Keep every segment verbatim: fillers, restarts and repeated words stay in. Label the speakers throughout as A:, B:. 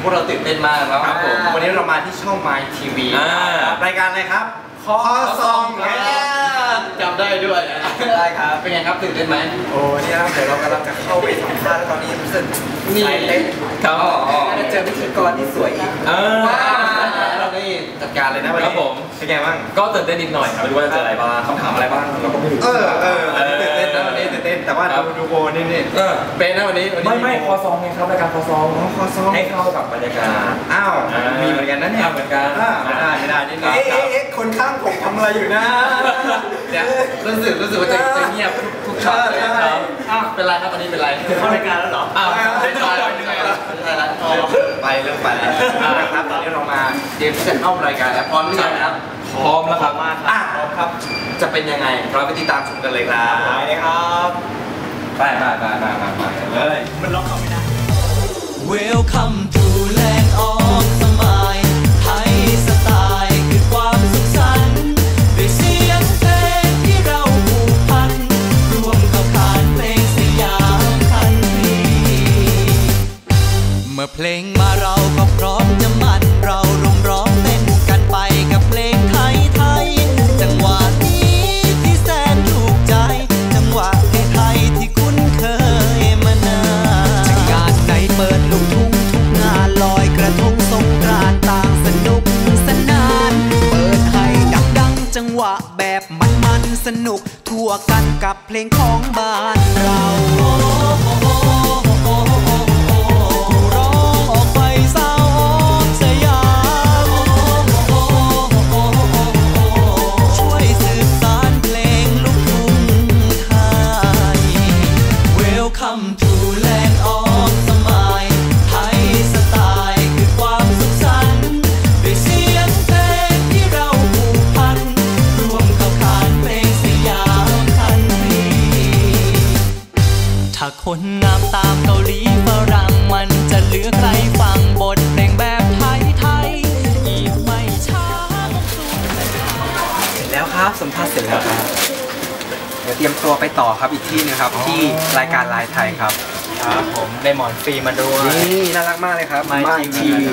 A: พวกเราตื่นเต้นมากแล้วครับผมวันนี้เรามาที่ช่อง My ที วี รายการอะไรครับคอซองจำได้ด้วยได้ครับเป็นไงครับตื่นเต้นไหมโอ้นี่ครับเดี๋ยวเรากำลังจะเข้าไปสัมภาษณ์ตอนนี้รู้สึกนี่ครับน่าจะเจอพิธีกรที่สวยอีกเราได้จัดการเลยนะวันนี้ผมเป็นไงบ้างก็ตื่นเต้นนิดหน่อยครับไม่รู้ว่าจะเจออะไรบ้างคำถามอะไรบ้างเราก็ไม่รู้เออเออตื่นเต้นนะวันนี้ตื่นเต้นแต่ว่าดูดูโบนี่นี่เป็นนะวันนี้ไม่ไม่คอซองไงครับรายการคอซองคอซองให้เข้ากับบรรยากาศอ้าวมีเหมือนกันนะเนี่ยเหมือนกันไม่ได้ไม่ได้นี่เอ๊ะเอ๊ะคนข้างผมทำอะไรอยู่นะเนี่ยรู้สึกรู้สึกว่าจะเงียบทุกช็อตเลยครับอ้าวเป็นไรครับวันนี้เป็นไรเข้ารายการแล้วเหรออ้าวไม่ใช่ไม่ใช่ไปเรื่องไปแล้วครับตอนนี้เรามาเตรียมที่จะเข้ารายการแล้วพร้อมหรือยังครับพร้อมแล้วครับมากอ่ะพร้อมครับจะเป็นยังไงเราไปติดตามชมกันเลยครับไปเลยครับไปไปไปไปไปเลยมันล็อกเข้าไม่ได้
B: Welcome to Land of Smile ไทยสไตล์คือความสุขสันต์ด้วยเสียงเพลงที่เราผูกพันร่วมเข้าขานเพลงสยามคันทรีเมื่อเพลงมาเราก็พร้อมจะมันเราร่วมร้องเต้นกันไปกับเพลงไทยไทยจังหวะนี้ที่แสนถูกใจจังหวะเพลงไทยที่คุ้นเคยมานานจะงานไหนเปิดลูกทุ่งทุกงานลอยกระทงสงกรานต์ต่างสนุกสนานเปิดให้ดังๆจังหวะแบบมันๆสนุกทั่วกันกับเพลงของบ้านเราถ้าคนงามตามเกาหลีฝรั่งมันจะเหลือใครฟังบทเพลงแบบไทยไทยอีกไม่ช้าเสร็จแล้วครับสัมภาษณ์เสร็จแล้วครับเดี๋ยวเตรียมตัวไปต่อครับอีกที่นึงครับที่รายการไลน์ไทยครับครับผมได้หมอนฟรีมาด้วยนี่น่ารักมากเลยครับMy ที วี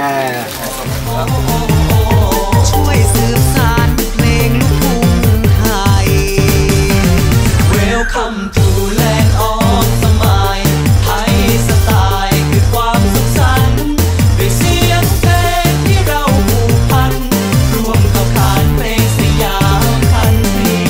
B: ช่วยสืบสานเพลงลูกทุ่งไทย Welcome to Land of Smile ไทยสไตล์คือความสุขสันต์ด้วยเสียงเพลงที่เราผูกพันร่วมเข้าขานเพลงสยามคันทรี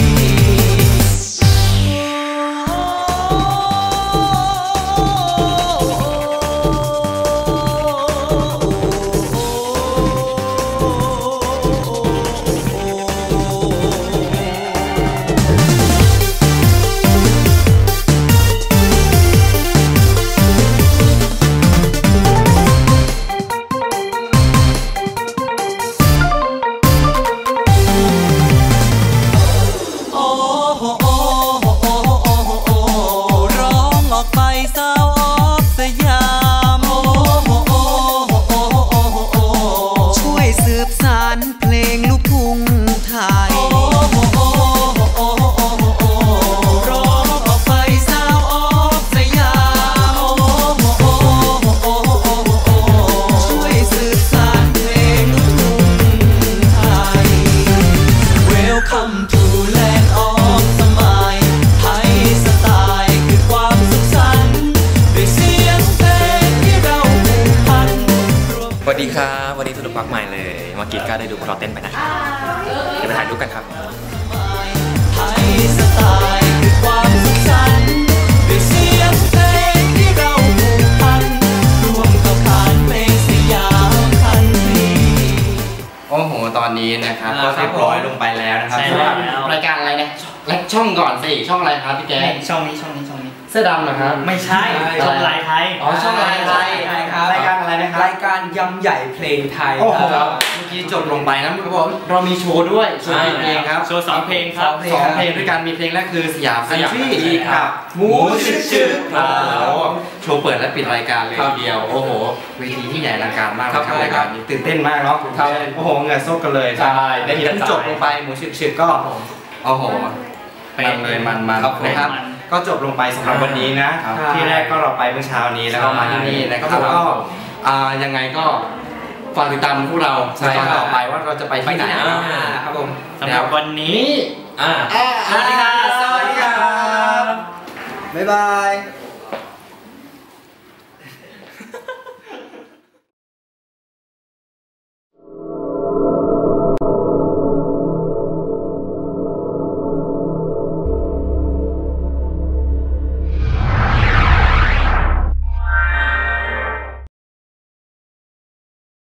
B: สวัสดีครับวันนี้สนุกมากมายเลยเมื่อกี้ก็ได้ดูพวกเราเต้นไปนะครับเดี๋ยวไปถ่ายรูปกันครับไทยสไตล์คือความสุขสันต์ด้วยเสียงเพลงที่เราผูกพันร่วมเข้าขานเพลงสยามคันทรีโอ้โหตอนนี้นะครับก็เรียบร้อยลงไปแล้วนะครับสำหรับรายการอะไรเนี่ยช่องก่อนสิช่องอะไรครับพี่แกช่องนี้ช่องนี้ช่องนี้เสื้อดำนะครับไม่ใช่ช่องไลน์ไทยอ๋อช่องไลน์ไทยครับรายการอะไรนะครับรายการยำใหญ่เพลงไทยครับเมื่อกี้จบลงไปนะเขาบอกเรามีโชว์ด้วยโชว์เพลงครับโชว์สองเพลงครับสองเพลงด้วยกันมีเพลงแรกคือสยามคันทรีครับหมูชื่อชื่อโชว์เปิดและปิดรายการเลยทีเดียวโอ้โหเวทีที่ใหญ่อลังการมากครับรายการนี้ตื่นเต้นมากเนาะโอ้โหเหงื่อซกกันเลยใช่ได้ที่จบลงไปหมูชื่อชื่อก็โอ้โหมันเลยมันมันนะครับก็จบลงไปสำหรับวันนี้นะที่แรกก็เราไปเมื่อเช้านี้แล้วก็มาที่นี่นะครับก็
A: อ่ายังไงก็ฝากติดตามพวกเราในตอนต่อไปว่าเราจะไปที่ไหนครับผม
B: สำหรับวันนี้อ่า
A: สวัสดีครับ
B: สวัสดีครับ
A: บ๊ายบาย